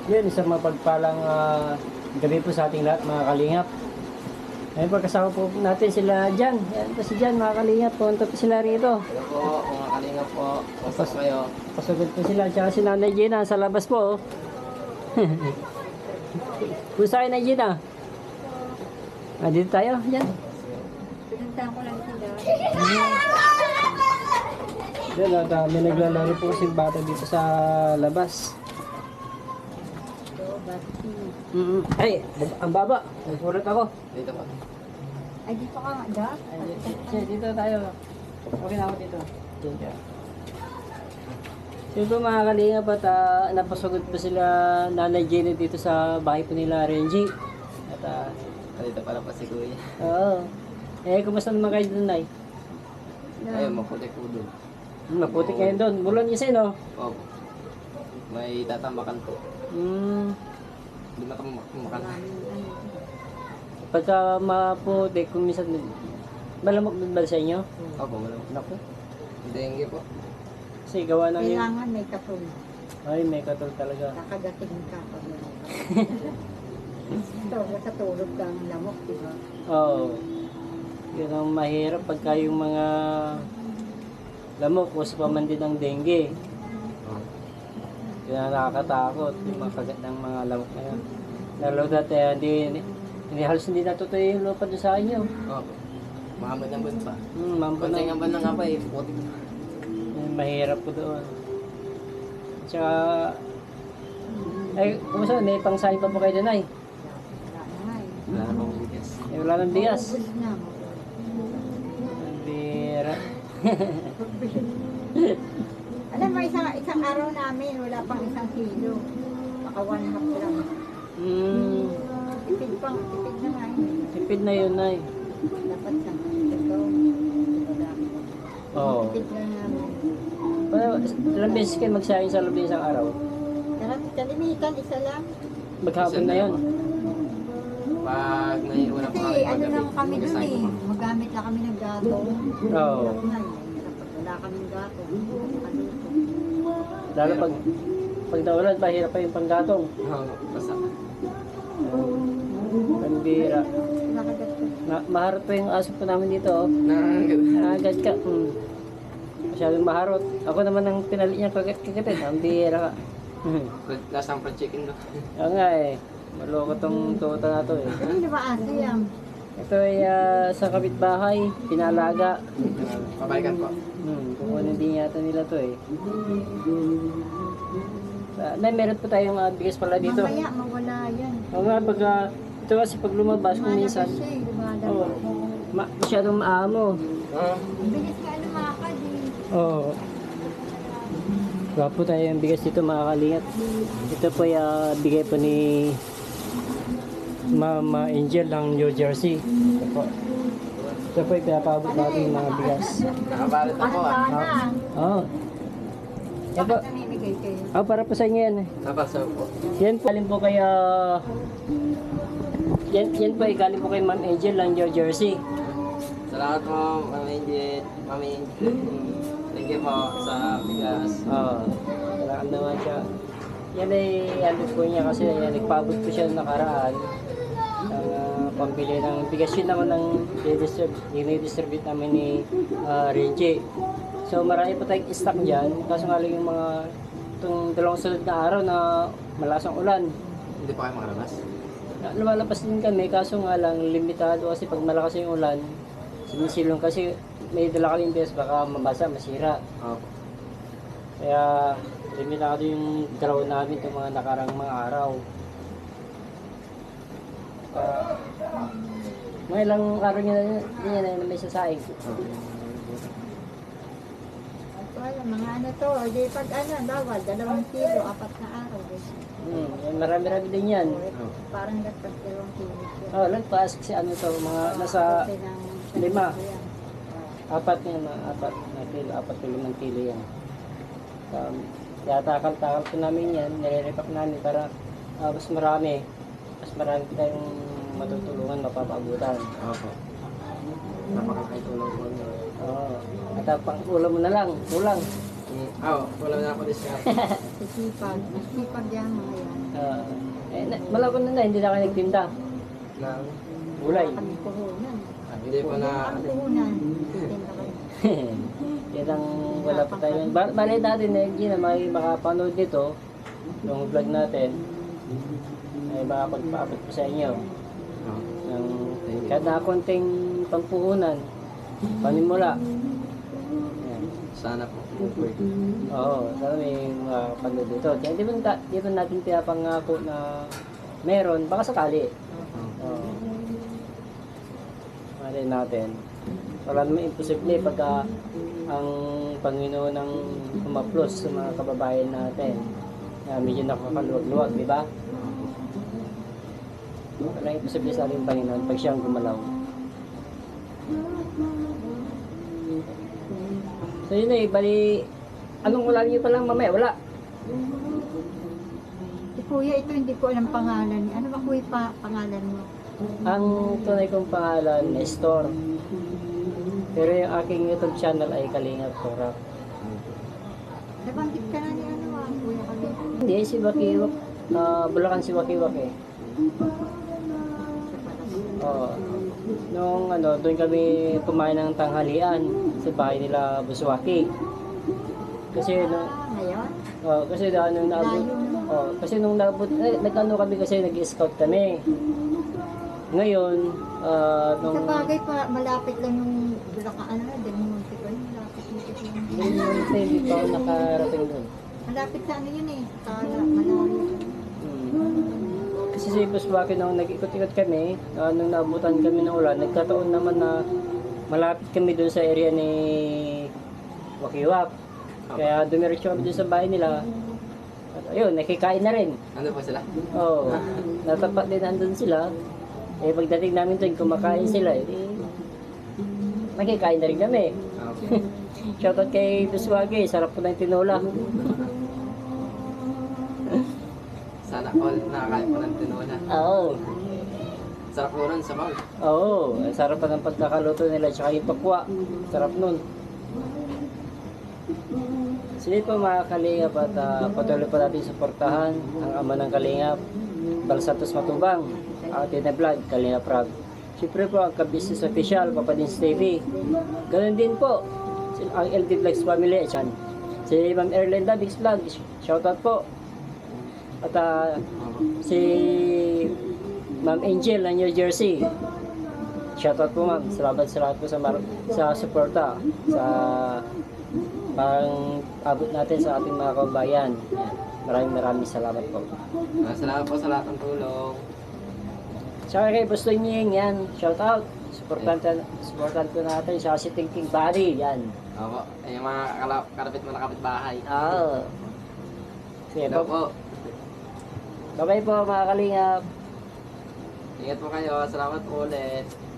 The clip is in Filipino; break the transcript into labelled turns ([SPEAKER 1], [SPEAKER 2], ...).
[SPEAKER 1] Yun, isang mapagpalang gabi po sa ating lahat mga kalingap. Ngayon pagkasama po natin sila Jan. Yan po si Jan mga kalingap. Punta po sila rito.
[SPEAKER 2] Hello po, mga kalingap po. Pasok kayo.
[SPEAKER 1] Pasugod po sila. Tsaka si Nanay Gina sa labas po. Pusa kayo Nanay Gina. Dito tayo. Yan.
[SPEAKER 3] Pinuntahan ko lang sila.
[SPEAKER 1] Yan, may naglalaro po si bata dito sa labas. Ay, ang baba. Nagpurot ako.
[SPEAKER 2] Dito po.
[SPEAKER 3] Ay, dito ka nga, da?
[SPEAKER 1] Dito tayo. Okay na ako dito. Dito. So ito mga kalingap at napasugod po sila Nanay Jenny dito sa bahay po nila Renji. At
[SPEAKER 2] Dito pala pa si Kuya.
[SPEAKER 1] oo. Kumusta naman kayo doon, Nay?
[SPEAKER 2] Ayun, maputi po doon.
[SPEAKER 1] Maputi kayo doon. Bulon kasi, no?
[SPEAKER 2] Opo. May tatambakan po. Hindi matambakan.
[SPEAKER 1] Pagka maputi, kung minsan malamok doon ba sa inyo?
[SPEAKER 2] Opo, malamang.
[SPEAKER 1] Naku.
[SPEAKER 2] Dengue po.
[SPEAKER 1] Kasi gawa ng yung...
[SPEAKER 3] Kailangan may katong.
[SPEAKER 1] Ay, may katol talaga.
[SPEAKER 3] Nakagating ka pag may ito, nakatulog ka ang lamok, di ba?
[SPEAKER 1] Oo. Yun ang mahirap pagka yung mga lamok o sa paman din ng dengue. Yun ang nakakatakot, yung mga kagat ng mga lamok na yun. Lalo dati, hindi halos hindi natutuyo yung lupa doon sa inyo.
[SPEAKER 2] Opo. Mahamad ng bansa.
[SPEAKER 1] Mampo
[SPEAKER 2] Pansay
[SPEAKER 1] na.
[SPEAKER 2] nga ba ng nga pa eh. Puti.
[SPEAKER 1] Mahirap po doon. Tsaka, ay, kumusta? May pangsahin pa po kayo doon ay?
[SPEAKER 3] Wala na nga eh.
[SPEAKER 2] Wala namang bigas.
[SPEAKER 1] Wala ng bigas.
[SPEAKER 3] Ubus na.
[SPEAKER 1] Ang bira.
[SPEAKER 3] Alam mo, isang araw namin, wala pang 1 kilo. Baka 1/2 lang. Tipid na nga eh.
[SPEAKER 1] Tipid na yun ay.
[SPEAKER 3] Dapat sa ito. Wala.
[SPEAKER 1] Oo.
[SPEAKER 3] Tipid na namin.
[SPEAKER 1] Ilang beses kayo magsayang sa loob ng isang araw?
[SPEAKER 3] Kalimitan, isa lang.
[SPEAKER 1] Maghapon na yun.
[SPEAKER 2] Pag naiuna pa
[SPEAKER 3] Kasi ano lang kami dun eh. Magamit lang kami ng gatong.
[SPEAKER 1] Oo.
[SPEAKER 3] Hirap na eh. Wala kaming gatong. Ano ito?
[SPEAKER 1] Lalo pag naulan, mahirap pa yung panggatong.
[SPEAKER 2] Oo, basta.
[SPEAKER 1] Ang bira.
[SPEAKER 3] Nakagat ko.
[SPEAKER 1] Maharot pa yung aso po namin dito. Oh. Agad ka. Masyadong maharot. Ako naman ang pinali niya kagatin. Ang bira ka.
[SPEAKER 2] Lasang fried chicken doon.
[SPEAKER 1] Oo nga eh. Maloko tong tuta na to eh.
[SPEAKER 3] Ano ba aso yan?
[SPEAKER 1] Ito ay sa kapitbahay. Pinalaga.
[SPEAKER 2] Pabalikan po.
[SPEAKER 1] Kukunin din yata nila to eh. Meron po tayong bigas pala dito.
[SPEAKER 3] Mamaya mawala yan.
[SPEAKER 1] Oo nga, ito kasi pag lumabas kung minsan,
[SPEAKER 3] Lumalabas siya eh. Lumalabas.
[SPEAKER 1] masyadong maamo.
[SPEAKER 3] Bilis nga lumakad eh.
[SPEAKER 1] Oo. Wala po tayo yung bigas dito mga kalingap. Ito po yung bigay po ni Mama Angel ng New Jersey. Ito po. Ito po yung pinapabot natin yung mga bigas.
[SPEAKER 2] Nakabalit na po ah.
[SPEAKER 3] Sana.
[SPEAKER 1] Oo. Yan po.
[SPEAKER 3] Bakit namimigay kayo?
[SPEAKER 1] Para po sa inyo yan.
[SPEAKER 2] Napasaw po.
[SPEAKER 1] Yan po. Galing po kaya... Yan po ay galing po kay Ma'am Angel ng New Jersey.
[SPEAKER 2] Salamat po, Mami Angel. Thank you po sa bigas.
[SPEAKER 1] Oo. Wala naman siya. Yan ay ano po niya kasi yan, nagpaabot po siya nakaraan. Ang pambili ng bigas yun naman ang dinidistribute namin ni Renji. So marami po tayong stock dyan. Kaso nga lang yung mga itong dalawang sunod na araw na malasang ulan.
[SPEAKER 2] Hindi pa kayo makalabas?
[SPEAKER 1] Lumalabas din kami kaso nga lang limitado kasi pag malakas yung ulan sinisilong kasi may dala kaming bigas baka mabasa, masira.
[SPEAKER 2] Opo.
[SPEAKER 1] Kaya limitado yung draw namin itong mga nakarang mga araw. Mga ilang araw nyo na may sasaing.
[SPEAKER 3] Wala, mga ano to. Di pag ano, bawal, 2 kilo, 4 na araw.
[SPEAKER 1] Marami-rami din yan.
[SPEAKER 3] Parang nagpas 2 kilo.
[SPEAKER 1] Oh, lagpas kasi ano to, mga nasa 5. 4 na kilo, 4 to 5 kilo yan. Kaya takal-takal po namin yan, nire-repack namin para mas marami tayong matutulungan, mapapaabutan.
[SPEAKER 2] Opo. Napakakaitulong po.
[SPEAKER 1] Oo. At pang ulam mo na lang, kulang.
[SPEAKER 2] Wala na ako discount.
[SPEAKER 3] Sisipag. Sisipag yan mga yan.
[SPEAKER 1] Malago na hindi na kayo nagtinda.
[SPEAKER 2] Nang,
[SPEAKER 1] Gulay.
[SPEAKER 3] Kami puhunan.
[SPEAKER 2] hindi pa na,
[SPEAKER 3] Kami puhunan. Tinda kayo.
[SPEAKER 1] Yan ang wala pa tayo. Bali natin na na may makapanood nito, yung vlog natin, ay makapagpaabot po sa inyo. Ng kahit na konting pampuhunan, panimula. Yan.
[SPEAKER 2] sana po.
[SPEAKER 1] Oo, sana may makapanood dito. Kaya di ba natin pinapangako na meron, baka sakali. Oo. Malay natin. Wala naman imposible pagka ang Panginoon ang humaplos sa mga kababayan natin. Medyo nakakaluwag-luwag, di ba? Wala imposible sa ating Panginoon pag siyang gumalaw. So yun eh, bali, anong ulam niyo pa lang mamaya? Wala.
[SPEAKER 3] Si Kuya, ito hindi ko alam pangalan. Ano ba Kuya pangalan mo?
[SPEAKER 1] Ang tunay kong pangalan, Nestor. Pero yung aking YouTube channel ay Kalingap Torap.
[SPEAKER 3] Nabanggit ka na ni ano Kuya kami.
[SPEAKER 1] Hindi, si Wakiwak. Bulacan si Wakiwak eh. Oo. Nung doon kami kumain ng tanghalian sa bahay nila Buswaki. Kasi
[SPEAKER 3] Ngayon?
[SPEAKER 1] kasi nung naabot, kasi nung naabot, nagkano kami kasi nag-scout kami. Ngayon, nung
[SPEAKER 3] Sa bagay pa, malapit lang yung Bulacan, ano, Del Monte ko yun. Malapit dito yung...
[SPEAKER 1] hindi pa ako nakarating doon.
[SPEAKER 3] Malapit sa ano yun eh. Sa malayo.
[SPEAKER 1] Kasi si Buswaki nung nag-ikot-ikot kami, nung naabutan kami ng ulan, nagkataon naman na malapit kami doon sa area ni Wakiwak. Kaya dumiretso kami doon sa bahay nila. At ayun, nakikain na rin.
[SPEAKER 2] Ano po sila?
[SPEAKER 1] Oo. Natapat din nandun sila. Eh pagdating namin doon, kumakain sila. Eh, nakikain na rin kami.
[SPEAKER 2] Okay.
[SPEAKER 1] Shoutout kay Buswaki, sarap po ng tinola.
[SPEAKER 2] Sana all nakakain po ng tinola.
[SPEAKER 1] Oo.
[SPEAKER 2] Sarap po nun sa bawal.
[SPEAKER 1] Oo, ang sarap pa ng pagkakaluto nila, tsaka yung pakwa. Sarap nun. Sige po mga Kalingap at patuloy pa natin suportahan ang ama ng Kalingap, Bal Santos Matubang, atin na vlog, Kalingap Rag. Siyempre po ang Ka-Business Official, Papa Dins TV. Ganun din po, ang LD Vlogs Family, si Ma'am Erlinda Bix Vlog, shoutout po. At si Ma'am Angel ng New Jersey. Shoutout po ma'am. Salamat po sa suporta sa pang abot natin sa ating mga kababayan. Maraming salamat po.
[SPEAKER 2] Salamat po sa lahat ng tulong.
[SPEAKER 1] Saka kay Busto Nying, yan. Shoutout. Supportan po natin sa si Thinking Body. Yan.
[SPEAKER 2] Opo. Yung mga karapit mo na kapitbahay.
[SPEAKER 1] Oo. Sige
[SPEAKER 2] Hello
[SPEAKER 1] po.
[SPEAKER 2] po.
[SPEAKER 1] Bye-bye po mga Kalingap.
[SPEAKER 2] Ingat po kayo. Salamat po ulit.